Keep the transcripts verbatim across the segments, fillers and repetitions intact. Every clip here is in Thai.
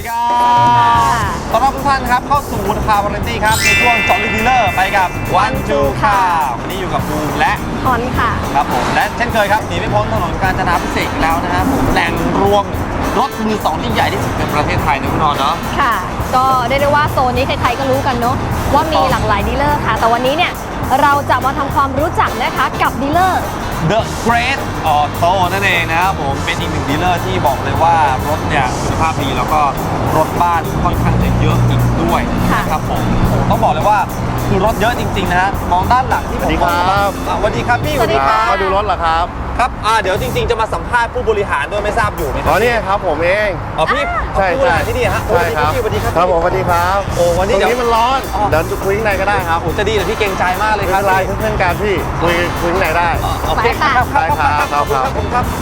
ดีครับต้อนรับทุกท่านครับเข้าสู่คาร์วาไรตี้ครับในช่วงเจาะลึกดีลเลอร์ไปกับวันจูค่ะวันนี้อยู่กับบูมและฮอนค่ะครับผมและเช่นเคยครับหนีไม่พ้นถนนกาญจนาภิเษกแล้วนะครับผมแหล่งรวมรถมือสองที่ใหญ่ที่สุดในประเทศไทยนะคุณนอนเนาะค่ะก็ได้ได้ว่าโซนนี้ใครๆก็รู้กันเนาะว่ามีหลากหลายดีลเลอร์ค่ะแต่วันนี้เนี่ยเราจะมาทำความรู้จักนะคะกับดีลเลอร์ The Great Auto นั่นเองนะครับผมเป็นอีกหนึ่งดีลเลอร์ที่บอกเลยว่ารถเนี่ยคุณภาพดีแล้วก็รถบ้านค่อนข้างจะเยอะอีกด้วยนะครับผมต้องบอกเลยว่าคือรถเยอะจริงๆนะฮะมองด้านหลังที่ผมมองสวัสดีครับพี่สวัสดีครับมาดูรถเหรอครับครับอ่าเดี๋ยวจริงๆจะมาสัมภาษณ์ผู้บริหารด้วยไม่ทราบอยู่ไหมครัอ๋อนี่ครับผมเองอ๋อพี่ใช่ผู้บริหารที่นี่ฮะใช่ครับสวัสดีครับครับผมสวัสดีครับโอ้วันนี้ตรงเดี๋ยวนี้มันร้อนเดินคุยข้างในก็ได้ครับโอ้จะดีแต่พี่เกรงใจมากเลยไม่ครัเป็บนไรเพื่อนๆกันพี่คุยคุยข้างในได้โอเคครับครับครับครับครับครับผมครับ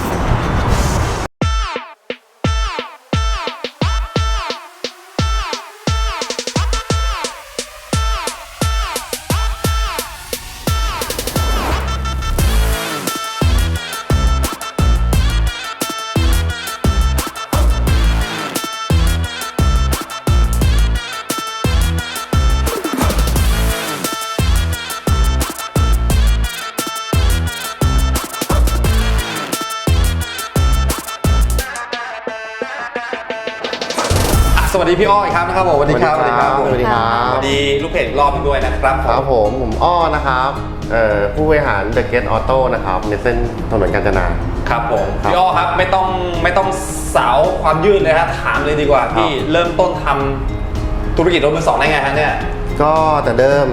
สวัสดีพี่อ้อยครับนะครับผมสวัสดีครับสวัสดีครับสวัสดีครับสวัสดีลูกเพจรอบด้วยนะครับครับผมผมอ้อนะครับผู้บริหาร The Great Auto นะครับในเส้นถนนกาญจนาครับผมพี่อ้อครับไม่ต้องไม่ต้องสาวความยืดเลยครับถามเลยดีกว่าพี่เริ่มต้นทำธุรกิจรถมือสองได้ไงฮะเนี่ยก็แต่เดิม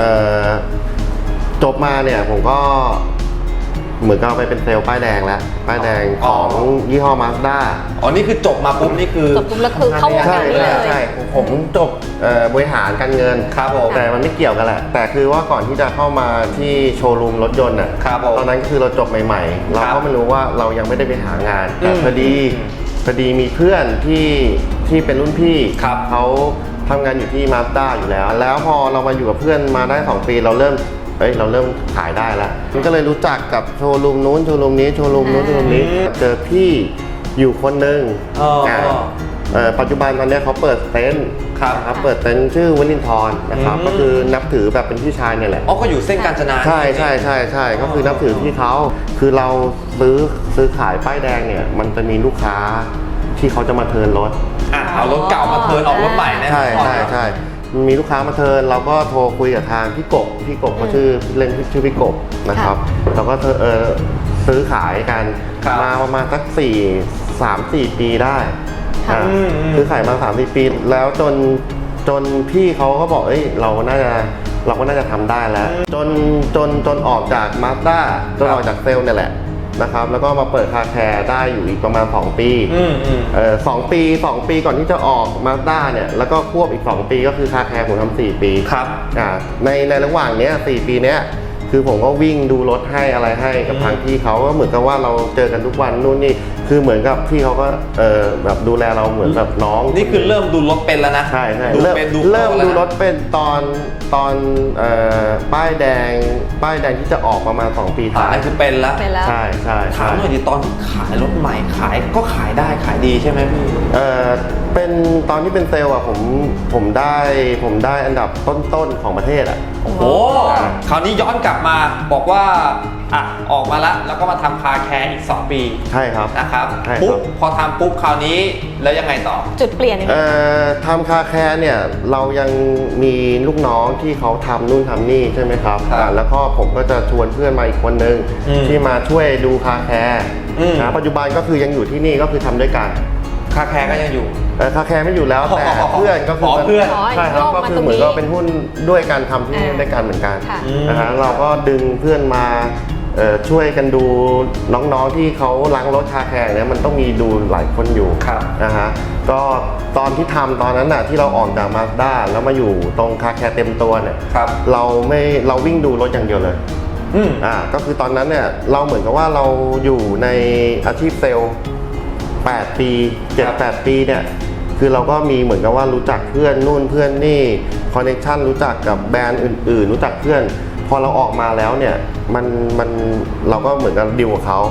จบมาเนี่ยผมก็เหมือนกับไปเป็นเซลล์ป้ายแดงแล้วป้ายแดงของยี่ห้อ Mazda อ๋อนี่คือจบมาปุ๊บนี่คือจบปุ๊บแล้วคือเข้าวงการนี้เลยใช่ผมจบบริหารการเงินครับผมแต่มันไม่เกี่ยวกันแหละแต่คือว่าก่อนที่จะเข้ามาที่โชว์รูมรถยนต์อ่ะตอนนั้นคือเราจบใหม่ๆเราก็ไม่รู้ว่าเรายังไม่ได้ไปหางานแต่พอดีพอดีมีเพื่อนที่ที่เป็นรุ่นพี่เขาทำงานอยู่ที่ Mazda อยู่แล้วแล้วพอเรามาอยู่กับเพื่อนมาได้สองปีเราเริ่มเฮ้ยเราเริ่มขายได้แล้วมันก็เลยรู้จักกับโชว์รูมนู้นโชว์รูมนี้โชว์รูมนู้นโชว์รูมนี้เจอพี่อยู่คนหนึ่งปัจจุบันตอนนี้เขาเปิดเต็นท์ครับเปิดเต็นท์ชื่อวลินทรนะครับก็คือนับถือแบบเป็นพี่ชายเนี่ยแหละอ๋อก็อยู่เส้นกาญจนาใช่ใช่ใช่ใช่ก็คือนับถือพี่เขาคือเราซื้อซื้อขายป้ายแดงเนี่ยมันจะมีลูกค้าที่เขาจะมาเทิร์นรถอ่ะเอารถเก่ามาเทิร์นออกรถใหม่นะใช่ใช่ใช่มีลูกค้ามาเทิร์นเราก็โทรคุยกับทางพี่กบพี่กบเขาชื่อเล่นชื่อพี่กบนะครับเราก็เออซื้อขายกันมาประมาณสักสี่สามสี่ปีได้ซื้อขายมาสามสี่ปีแล้วจนจนพี่เขาก็บอกเอ้ยเราน่าจะเราก็น่าจะทำได้แล้วจนจนจนออกจาก Mazda จนออกจากเซลล์เนี่ยแหละนะครับแล้วก็มาเปิดคาแคร์ได้อยู่อีกประมาณสองปีเออสองปีสองปีก่อนที่จะออก Mazda เนี่ยแล้วก็ควบอีกสองปีก็คือคาแคร์ผมทำสี่ปีครับอ่าในในระหว่างเนี้ยสี่ปีเนี้ยคือผมก็วิ่งดูรถให้อะไรให้กับทางพี่เขาก็เหมือนกับว่าเราเจอกันทุกวันนู่นนี่คือเหมือนกับพี่เขาก็เออแบบดูแลเราเหมือนแบบน้องนี่คือเริ่มดูรถเป็นแล้วนะใช่ใช่เริ่มเริ่มดูรถเป็นตอนตอนเอ่อป้ายแดงป้ายแดงที่จะออกประมาณสองปีท้ายคือเป็นแล้วใช่ใช่ถามหน่อยดิตอนขายรถใหม่ขายก็ขายได้ขายดีใช่ไหมพี่เออเป็นตอนที่เป็นเซลล์อ่ะผมผมได้ผมได้อันดับต้นๆของประเทศอ่ะโอ้โหคราวนี้ย้อนกลับมาบอกว่าอ่ะออกมาแล้วแล้วก็มาทำคาแคร์อีกสองปีใช่ครับนะครับปุ๊บพอทำปุ๊บคราวนี้แล้วยังไงต่อจุดเปลี่ยนเอ่อทำคาแคร์เนี่ยเรายังมีลูกน้องที่เขาทำนู่นทำนี่ใช่ไหมครับแล้วก็ผมก็จะชวนเพื่อนมาอีกคนนึงที่มาช่วยดูคาแคร์นะปัจจุบันก็คือยังอยู่ที่นี่ก็คือทำด้วยกันคาแคร์ก็ยังอยู่คาแคร์ไม่อยู่แล้วแต่เพื่อนก็คือเพื่อนใช่ครับก็คือเหมือนก็เป็นหุ้นด้วยการทำที่นี่ด้วยกันเหมือนกันนะฮะเราก็ดึงเพื่อนมาช่วยกันดูน้องๆที่เขาล้างรถคาแคร์เนี่ยมันต้องมีดูหลายคนอยู่นะฮะก็ตอนที่ทำตอนนั้นน่ะที่เราออกจาก Mazda แล้วมาอยู่ตรงคาแคร์เต็มตัวเนี่ยเราไม่เราวิ่งดูรถอย่างเดียวเลยอ่าก็คือตอนนั้นเนี่ยเราเหมือนกับว่าเราอยู่ในอาชีพเซลล์แปดปี เจ็ด แปด ปีเนี่ยคือเราก็มีเหมือนกับว่ารู้จักเพื่อนนู่นเพื่อนนี่คอนเนคชั่นรู้จักกับแบรนด์อื่นๆรู้จักเพื่อนพอเราออกมาแล้วเนี่ยมันมันเราก็เหมือนกับดิวกับเขา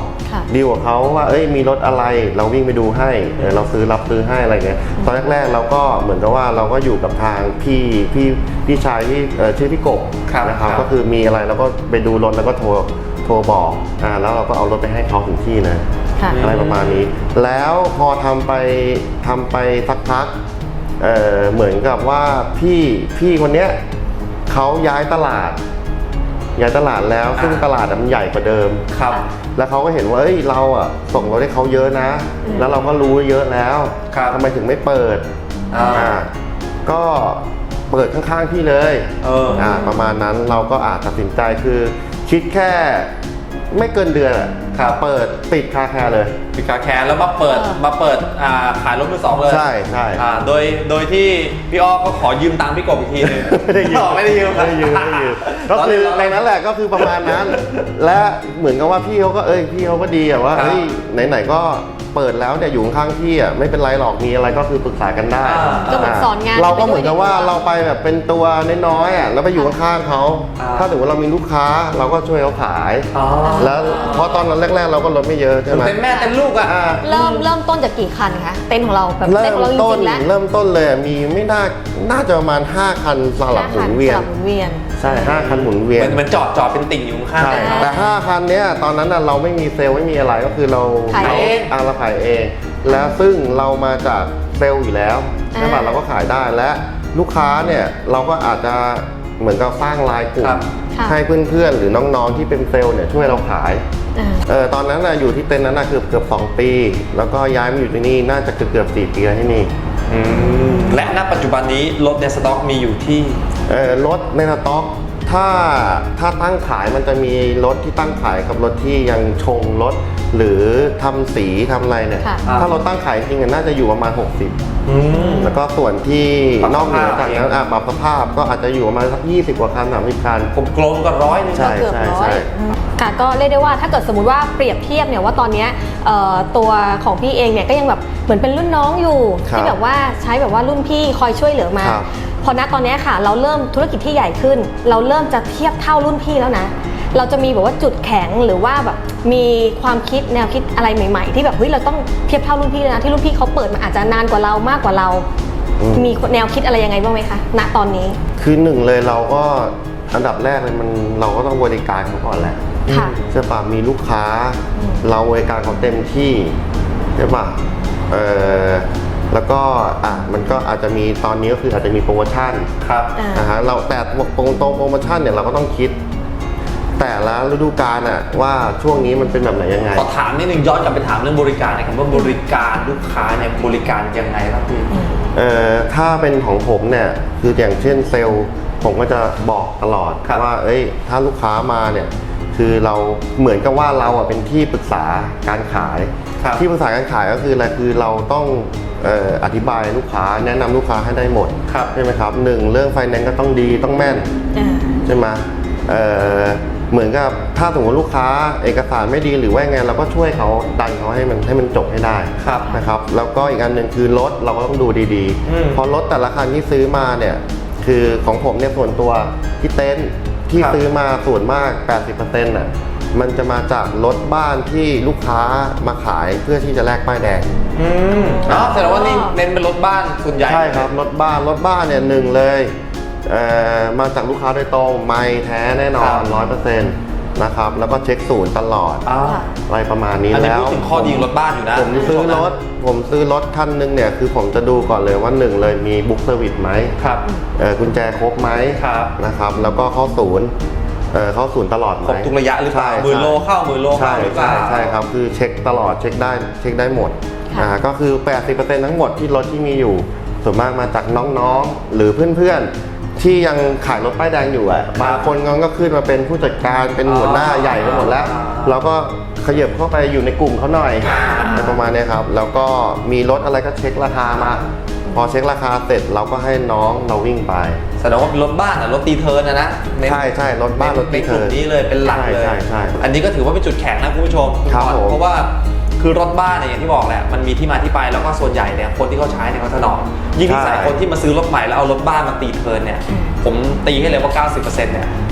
ดีลกับเขาว่าเอ้ยมีรถอะไรเราวิ่งไปดูให้เออเราซื้อรับซื้อให้อะไรเงี้ยตอนแรกๆเราก็เหมือนกับว่าเราก็อยู่กับทางพี่พี่พี่ชายที่เอ่อชื่อพี่กบครับนะครับครับก็คือมีอะไรเราก็ไปดูรถแล้วก็โทรโทรบอกอ่าแล้วเราก็เอารถไปให้เขาถึงที่นะค่ะอะไรประมาณนี้ แล้วพอทำไปทำไปสักพักเอ่อเหมือนกับว่าพี่พี่คนเนี้ยเขาย้ายตลาด ย้ายตลาดแล้วซึ่งตลาดมันใหญ่กว่าเดิมครับแล้วเขาก็เห็นว่าเอ้ยเราอ่ะส่งรถให้เขาเยอะนะ แล้วเราก็รู้เยอะแล้วครับทำไมถึงไม่เปิดอ่าอ่าก็เปิดข้างๆพี่เลยเอออ่าประมาณนั้นเราก็อาจตัดสินใจคือคิดแค่ไม่เกินเดือนอะครับเปิดติดคาแคร์เลยปิดคาแคร์แล้วมาเปิดเออมาเปิดอ่าขายรถมือสองเลยใช่ใช่อ่าโดยโดยที่พี่อ้อก็ขอยืมตังค์พี่กบอีกทีหนึงไม่ได้ยืมไม่ได้ยืมไม่ได้ยืมไม่ได้ยืมก็คือในนั้นแหละก็คือประมาณนั้น และเหมือนกับว่าพี่เขาก็เอ้ยพี่เขาก็ดีอะว่าครับเฮ้ยไหนๆก็เปิดแล้วเนี่ยอยู่ข้างๆพี่อะไม่เป็นไรหรอกมีอะไรก็คือปรึกษากันได้อ่าก็เหมือนสอนงานเราก็เหมือนกับว่าไปด้วยเราไปแบบเป็นตัวน้อยๆอะแล้วไปอยู่ข้างๆเขาอ่าถ้าสมมติเรามีลูกค้าเราก็ช่วยเขาขายอ๋อแล้วเพราะตอนนั้นแรกๆเราก็ลดไม่เยอะใช่ไหมเป็นแม่เต็มลูกอ่ะอ่าเริ่มเริ่มต้นจากกี่คันคะเต็นท์ของเราแบบเริ่เต็นท์มของเราจต้นริงๆแล้วเริ่มต้นเลยอะมีไม่น่าน่าจะประมาณห้าคันสลับหมุนเวียสนลับหมุนเวียนใช่ห้าคันหมุนเวียเหนมือนเหมือนจอดจอดเป็นติ่งอยู่ข้างใช่ๆแต่ห้าคันเนี้ยตอนนั้นน่ะเราไม่มีเซลล์ไม่มีอะไรก็คือเราขายเองอ่าเราขายเอง แล้วซึ่งเรามาจากเซลล์อยู่แล้วใช่ป่ะอ่าเราก็ขายได้และลูกค้าเนี่ยเราก็อาจจะเหมือนกับสร้างลายกลุ่ครัมบค่ะให้เพื่อนๆหรือน้องๆที่เป็นเซลล์เนี่ยช่วยเราขายอ่าเออตอนนั้นน่ะอยู่ที่เต็นท์นั้นน่ะเกือบเกือบสองปี แล้วก็ย้ายมาอยู่ที่นี่น่าจะเกือบเกือบสี่ปีแล้วที่นี่อืมและณปัจจุบันนี้รถในสต็อกมีอยู่ที่เออรถในสต็อกถ้าถ้าตั้งขายมันจะมีรถที่ตั้งขายกับรถที่ยังชงรถ หรือทำสีทำอะไรเนี่ยค่ะถ้ารถตั้งขายจริงๆน่าจะอยู่ประมาณหกสิบอืมแล้วก็ส่วนที่ปรับนอกเหนือจากนั้นสภาพอ่ะปรับสภาพก็อาจจะอยู่ประมาณสักยี่สิบกว่าคันสามสิบคันกลมๆก็ร้อยหนึงใช่เกือบใช่ร้อใช่ยอืมค่ะก็เรียกได้ว่าถ้าเกิดสมมติว่าเปรียบเทียบเนี่ยว่าตอนเนี้ยเอ่อตัวของพี่เองเนี่ยก็ยังแบบเหมือนเป็นรุ่นน้องอยู่ครับที่แบบว่าใช้แบบว่ารุ่นพี่คอยช่วยเหลือมาครับพอณตอนเนี้ยค่ะ เราเริ่มธุรกิจที่ใหญ่ขึ้น เราเริ่มจะเทียบเท่ารุ่นพี่แล้วนะ เราจะมีแบบว่าจุดแข็งหรือว่าแบบมีความคิดแนวคิดอะไรใหม่ๆ ที่แบบเฮ้ยเราต้องเทียบเท่ารุ่นพี่เลยนะที่รุ่นพี่เขาเปิดมาอาจจะนานกว่าเรามากกว่าเราอืมมีแนวคิดอะไรยังไงบ้างไหมคะณตอนนี้คือหนึ่งเลยเราก็อันดับแรกเลยมันเราก็ต้องบริการเขาก่อนแหละค่ะใช่ปะมีลูกค้าอืมเราบริการเขาเต็มที่ใช่ปะเออแล้วก็อ่ะมันก็อาจจะมีตอนนี้ก็คืออาจจะมีโปรโมชั่นครับอ่านะฮะเราแต่ตรงตรงโปรโมชั่นเนี่ยเราก็ต้องคิด แต่ละฤดูกาลอะว่าช่วงนี้มันเป็นแบบไหนยังไงขอถามนิดนึงย้อนกลับไปถามเรื่องบริการนะครับว่าบริการลูกค้าเนี่ยบริการยังไงครับพี่เอ่อถ้าเป็นของผมเนี่ยคืออย่างเช่นเซลล์ผมก็จะบอกตลอดครับว่าเอ้ยถ้าลูกค้ามาเนี่ยคือเราเหมือนกับว่าเราอ่ะเป็นที่ปรึกษาการขายครับที่ปรึกษาการขายก็คืออะไรคือเราต้องเอ่ออธิบายลูกค้าแนะนำลูกค้าให้ได้หมดครับใช่ไหมครับหนึ่งเรื่องไฟแนนซ์ก็ต้องดีต้องแม่นอ่าใช่ไหมเอ่อเหมือนกับถ้าสมมติลูกค้าเอกสารไม่ดีหรือว่าไงเราก็ช่วยเขาดันเขาให้มันให้มันจบให้ได้ครับนะครับแล้วก็อีกอันหนึ่งคือรถเราก็ต้องดูดีอืมๆเพราะรถแต่ละคันที่ซื้อมาเนี่ยคือของผมเนี่ยส่วนตัวที่เต็นท์ที่ครับซื้อมาส่วนมาก แปดสิบเปอร์เซ็นต์ น่ะมันจะมาจากรถบ้านที่ลูกค้ามาขายเพื่อที่จะแลกป้ายแดงอืมอ๋อแสดงว่านี่เน้นเป็นรถบ้านส่วนใหญ่ใช่ครับรถบ้านรถบ้านเนี่ยหนึ่งเลยเอ่อมาจากลูกค้าโดยตรงไม่แท้แน่นอนร้อยเปอร์เซ็นต์นะครับแล้วก็เช็คศูนย์ตลอดอ่าอะไรประมาณนี้อันนี้แล้วพูดถึงข้อดีของรถบ้านอยู่นะผมซื้อรถผมซื้อรถคันหนึงเนี่ยคือผมจะดูก่อนเลยว่าหนึ่งเลยมีบุ๊กเซอร์วิสไหมครับเอ่อกุญแจครบไหมครับนะครับแล้วก็เข้าศูนย์เอ่อเข้าศูนย์ตลอดไหมครบทุกระยะหรือเปล่าใช่หมื่นโลเข้าหมื่นโลใช่เข้าหรือเปล่าใช่ใช่ครับคือเช็คตลอดเช็คได้เช็คได้หมดค่ะอ่าก็คือ แปดสิบเปอร์เซ็นต์ ทั้งหมดที่รถที่มีอยู่ส่วนมากมาจากน้องๆ หรือเพื่อนๆ ที่ยังขายรถป้ายแดงอยู่อ่ะบางคนก็ขึ้นมาเป็นผู้จัดการเป็นหัวหน้าใหญ่ไปหมดแล้วเราก็ขยับเข้าไปอยู่ในกลุ่มเขาหน่อยอะไรประมาณเนี้ยครับแล้วก็มีรถอะไรก็เช็คราคามา พอเช็คราคาเสร็จเราก็ให้น้องเราวิ่งไปแสดงว่าเป็นรถบ้านอ่ะรถตีเทิร์นนะนะเน้นใช่ใช่รถบ้านรถในตีกเทิลุ่มร์นนี้เลยเป็นหลักเลยใช่ใช่ใช่อันนี้ก็ถือว่าเป็นจุดแข็งนะคุณผู้ชมณครับก่อนผมเพราะว่าคือรถบ้านเนี่ยอย่างที่บอกแหละมันมีที่มาที่ไปแล้วก็ส่วนใหญ่เนี่ยคนที่เขาใช้เนี่ยเขาถนอมยิ่งนิสัยคนที่มาซื้อรถใหม่แล้วเอารถบ้านมาตีเทิร์นเนี่ยผมตีให้เลยว่า เก้าสิบเปอร์เซ็นต์ เนี่ย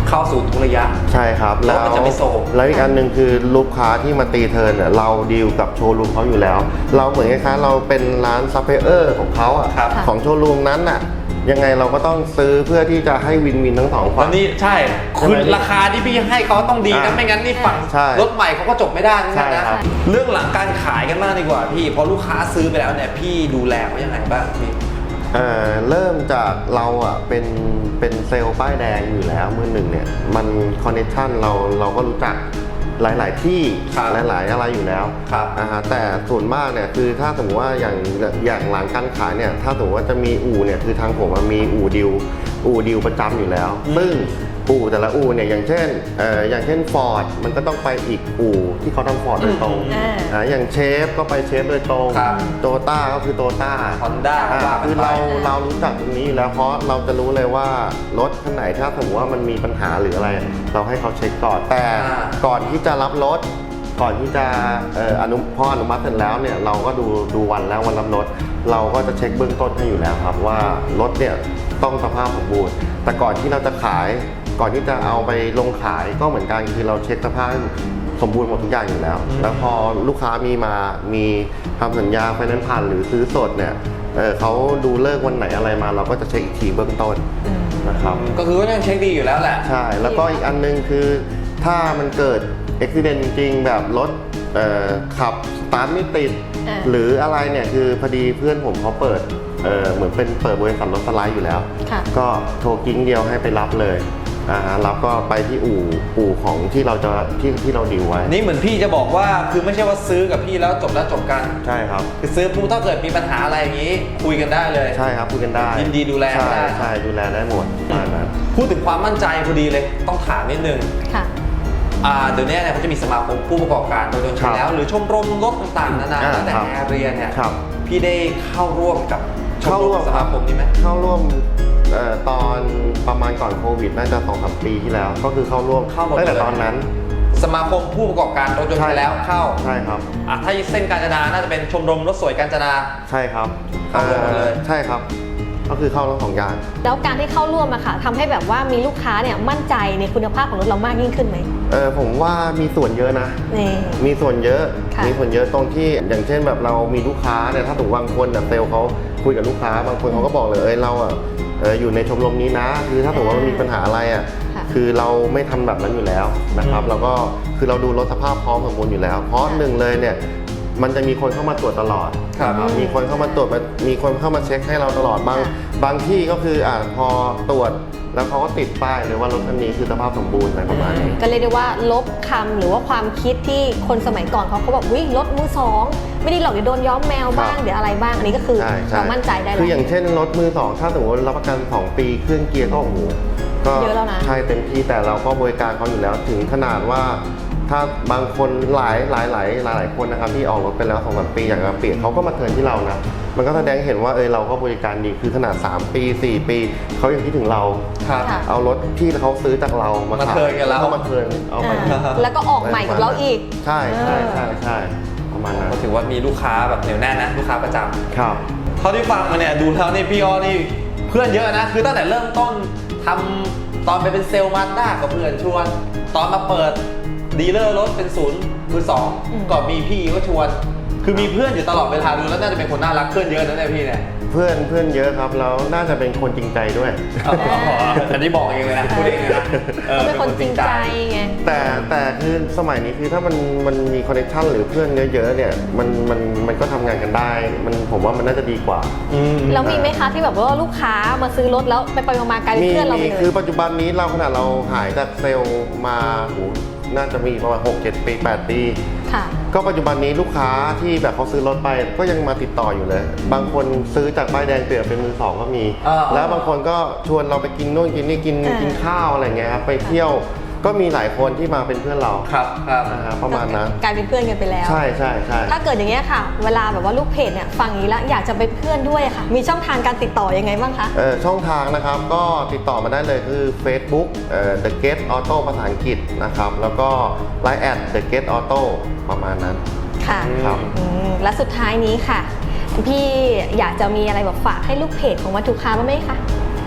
เข้าสู่ทุกระยะใช่ครับรถมันจะไม่โซมแล้วอีกอันหนึ่งคือลูกค้าที่มาตีเทิร์นเนี่ยเราดีลกับโชว์รูมเขาอยู่แล้ว เราเหมือนคล้ายๆเราเป็นร้านซัพพลายเออร์ของเขาอ่ะครับของโชว์รูมนั้นน่ะยังไงเราก็ต้องซื้อเพื่อที่จะให้วินวินทั้งสองฝ่าแล้ยวนี่ใช่คือราคาที่พี่ให้เขาต้องดีนะอ่าไม่งั้นนี่ฝั่งใช่รถใหม่เขาก็จบไม่ได้นะใช่ครับเรื่องหลังการขายกันบ้างดีกว่าพี่พอลูกค้าซื้อไปแล้วเนี่ยพี่ดูแลเขายังไงบ้างพี่เอ่อเริ่มจากเราอ่ะเป็นเป็นเซลล์ป้ายแดงอยู่แล้วมือหนึ่งเนี่ยมันคอนเนคชั่นเราเราก็รู้จักหลาย ๆ ที่ครับหลาย ๆ อะไรอยู่แล้วครับอ่าฮะแต่ส่วนมากเนี่ยคือถ้าสมมติว่าอย่างอย่างหลังการขายเนี่ยถ้าสมมติว่าจะมีอู่เนี่ยคือทางผมอะมีอู่ดิวอู่ดิวประจำอยู่แล้ว ซึ่งอู่แต่ละอู่เนี่ยอย่างเช่นเอ่ออย่างเช่นฟอร์ดมันก็ต้องไปอีกอู่ที่เขาทำฟอร์ดโดยตรงอ่าอ่าอย่างเชฟก็ไปเชฟโดยตรงครับโตต้าก็คือโตต้า Honda ก็ว่ากันไปคือเราเรารู้จักตรงนี้อยู่แล้วเพราะเราจะรู้เลยว่ารถคันไหนถ้าสมมติว่ามันมีปัญหาหรืออะไร เราให้เขาเช็คก่อนแต่อ่าก่อนที่จะรับรถก่อนที่จะเอ่ออนุพออนุมัติเสร็จแล้วเนี่ยเราก็ดูดูวันแล้ววันรับรถเราก็จะเช็คเบื้องต้นให้อยู่แล้วครับว่ารถเนี่ยต้องสภาพสมบูรณ์แต่ก่อนที่เราจะขายก่อนที่จะเอาไปลงขายก็เหมือนกันคือเราเช็คสภาพให้สมบูรณ์หมดทุกอย่างอยู่แล้ว แล้วพอลูกค้ามีมามีทำสัญญาไฟแนนซ์ผ่านหรือซื้อสดเนี่ยเอ่อเขาดูเลิกวันไหนอะไรมา เราก็จะเช็คอีกทีเบื้องต้นนะครับก็คือว่ายังเช็คดีอยู่แล้วแหละใช่ แล้วก็อีกอันนึงคือถ้ามันเกิดอุบิเหตุจริงๆ แบบรถเอ่อขับสตาร์ทไม่ติดอ่าหรืออะไรเนี่ยคือพอดีเพื่อนผมเขาเปิดเอ่อเหมือนเป็นเปิดบริษัทรถสไลด์อยู่แล้วค่ะก็โทรกิ้งเดียวให้ไปรับเลยอ่าฮะรับก็ไปที่อู่อู่ของที่เราจะที่ที่เราดีลไว้นี่เหมือนพี่จะบอกว่าคือไม่ใช่ว่าซื้อกับพี่แล้วจบแล้วจบกันใช่ครับคือซื้อปุ๊บถ้าเกิดมีปัญหาอะไรอย่างนี้ คุยกันได้เลยใช่ครับคุยกันได้ยินดีดูแลใช่ได้ใช่ดูแลได้หมดประมาณนั้นพูดถึงความมั่นใจพอดีเลยต้องถามนิดนึงค่ะอ่าเดี๋ยวนี้เนี่ยเขาจะมีสมาคมผู้ประกอบการโดยตรงครับแล้ว หรือชมรมรถต่างๆนานาอ่าตั้งแต่ครับแอร์เรียนเนี่ยครับพี่ได้เข้าร่วมกับชมเข้าร ร่วมมสมาคมนี้ไหมเข้าร่วมเอ่อตอนประมาณก่อนโควิดน่าจะสองสามปีที่แล้ว ก็คือเข้าร่วมเข้าหมดตั้งแต่เลยตอนนั้นสมาคมผู้ประกอบการรถยนต์ไปแล้วเข้าใช่ครับอ่ะถ้าเส้นกาญจนาน่าจะเป็นชมรมรถสวยกาญจนาใช่ครับเข้าร่วมหมดเลยใช่ครับ ก็คือเข้าทั้งสองอย่างแล้วการที่เข้าร่วมอะค่ะทำให้แบบว่ามีลูกค้าเนี่ยมั่นใจในคุณภาพของรถเรามากยิ่งขึ้นไหมเออผมว่ามีส่วนเยอะนะนี่มีส่วนเยอะค่ะมีส่วนเยอะตรงที่อย่างเช่นแบบเรามีลูกค้าเนี่ยถ้าถูกบางคนแบบเซลล์เขาคุยกับลูกค้าบางคนเขาก็บอกเลยเอ้ยเราอ่ะเอออยู่ในชมรมนี้นะ คือถ้าถูกว่ามันมีปัญหาอะไรอ่ะค่ะคือเราไม่ทำแบบนั้นอยู่แล้วนะครับอืมเราก็คือเราดูรถสภาพพร้อมสมบูรณ์อยู่แล้ว เพราะหนึ่งเลยเนี่ยมันจะมีคนเข้ามาตรวจตลอดครับนะมีคนเข้ามาตรวจมามีคนเข้ามาเช็คให้เราตลอดบางค่ะบางที่ก็คืออ่าพอตรวจแล้วเขาก็ติดป้ายเลยว่ารถคันนี้คือสภาพสมบูรณ์อะไรประมาณนี้ก็เรียกได้ว่าลบคำหรือว่าความคิดที่คนสมัยก่อนเขาเขาบอกวิรถมือสองไม่ได้หรอกเดี๋ยวโดนย้อมแมวบ้างครับเดี๋ยวอะไรบ้างอันนี้ก็คือใช่ใช่เรามั่นใจได้คือแล้อย่างวเช่นรถมือสองถ้าสมมติรับประกันสองปีเครื่องเกียร์ก็โอ้โหก็เยอะแล้วนะใช่เต็มที่แต่เราก็บริการเขาอยู่แล้วถึงขนาดว่า ถ้าบางคนหลายหลายหลายหลายหลายคนนะครับที่ออกรถไปแล้วสองสามปีอย่างมาเปลี่ยนเขาก็มาเทิร์นที่เรานะมันก็แสดงเห็นว่าเออเราก็บริการดีคือขนาดสามปีสี่ปีเขายังคิดถึงเราครับค่ะเอารถที่เขาซื้อจากเรามามาขายเทิร์นกับเราก็มาเทิร์นเอามาอ่าแล้วก็ออกใหม่กับเราอีกใช่ใช่ใช่ใช่ประมาณนั้นก็ถือว่ามีลูกค้าแบบเหนียวแน่นนะลูกค้าประจำครับเท่าที่ฟังมาเนี่ยดูแล้วนี่พี่อ้อนี่เพื่อนเยอะนะ คือตั้งแต่เริ่มต้นทำตอนไปเป็นเซลล์มาสด้ากับเพื่อนชวน ตอนมาเปิดดีลเลอร์รถเป็นศูนย์มือสองอืมก็มีพี่ก็ชวน คือมีเพื่อนอยู่ตลอดเวลาดูแล้วน่าจะเป็นคนน่ารักเพื่อนเยอะนะเนี่ยพี่เนี่ยเพื่อนเพื่อนเยอะครับแล้วน่าจะเป็นคนจริงใจด้วยอ๋ออันนี้บอกเองเลยนะพูดเองเลยนะออเขาเป็นคนจริงใจไงแต่แต่คือสมัยนี้คือถ้ามันมันมีคอนเนคชั่นหรือเพื่อนเยอะๆเนี่ยมันมันมันก็ทำงานกันได้ มันผมว่ามันน่าจะดีกว่าอืมแล้วมีไหมคะที่แบบว่าลูกค้ามาซื้อรถแล้วไปไปๆมาๆกลายเป็นมีเพื่อนเราไปมีเลคือย ปัจจุบันนี้เราขนาดเราหายจากเซลล์มาโหน่าจะมีประมาณหกเจ็ดปีแปดปีค่ะก็ปัจจุบันนี้ลูกค้าที่แบบเขาซื้อรถไปก็ยังมาติดต่ออยู่เลย บางคนซื้อจากป้ายแดงเปลี่ยนเป็นมือสองก็มีอ่าแล้วบางคนก็ชวนเราไปกินนู่นกินนี่กินอ่ากิกินข้าวอะไรเงี้ยครับไปเที่ยวก็มีหลายคนที่มาเป็นเพื่อนเราครับครับนะฮะประมาณนั้นกลายเป็นเพื่อนกันไปแล้วใช่ใช่ใช่ถ้าเกิดอย่างเงี้ยค่ะ เวลาแบบว่าลูกเพจเนี่ยฟังอย่างนี้แล้วอยากจะเป็นเพื่อนด้วยค่ะ มีช่องทางการติดต่อยังไงบ้างคะเอ่อช่องทางนะครับก็ติดต่อมาได้เลยคือ Facebook เอ่อ The Gate Auto ภาษาอังกฤษนะครับแล้วก็ ไลน์ แอท The Gate Auto ประมาณนั้นค่ะครับอืมและสุดท้ายนี้ค่ะ พี่อยากจะมีอะไรแบบฝากให้ลูกเพจของวัตถุค้าบ้างไหมคะ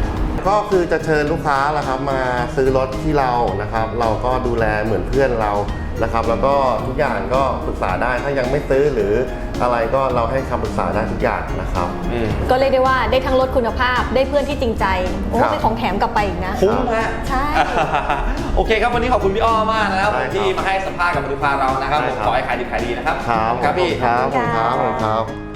ก็คือจะเชิญลูกค้าละครับมาซื้อรถที่เรานะครับ เราก็ดูแลเหมือนเพื่อนเรานะครับ แล้วก็ทุกอย่างก็ปรึกษาได้ถ้ายังไม่ซื้อหรืออะไรก็เราให้คำปรึกษาได้ทุกอย่างนะครับก็เรียกได้ว่าได้ทั้งรถคุณภาพได้เพื่อนที่จริงใจโอ้ครับเป็นของแถมกลับไปอีกนะคุ้มฮะใช่โอเคครับวันนี้ขอบคุณพี่อ้อมากนะครับได้ครับที่มาให้สัมภาษณ์กับบริษัทเรานะครับได้ผมครับขอให้ขายดีขายดีนะครับครับครับพี่ครับผมครับขผอบมคุณคค่ะรับ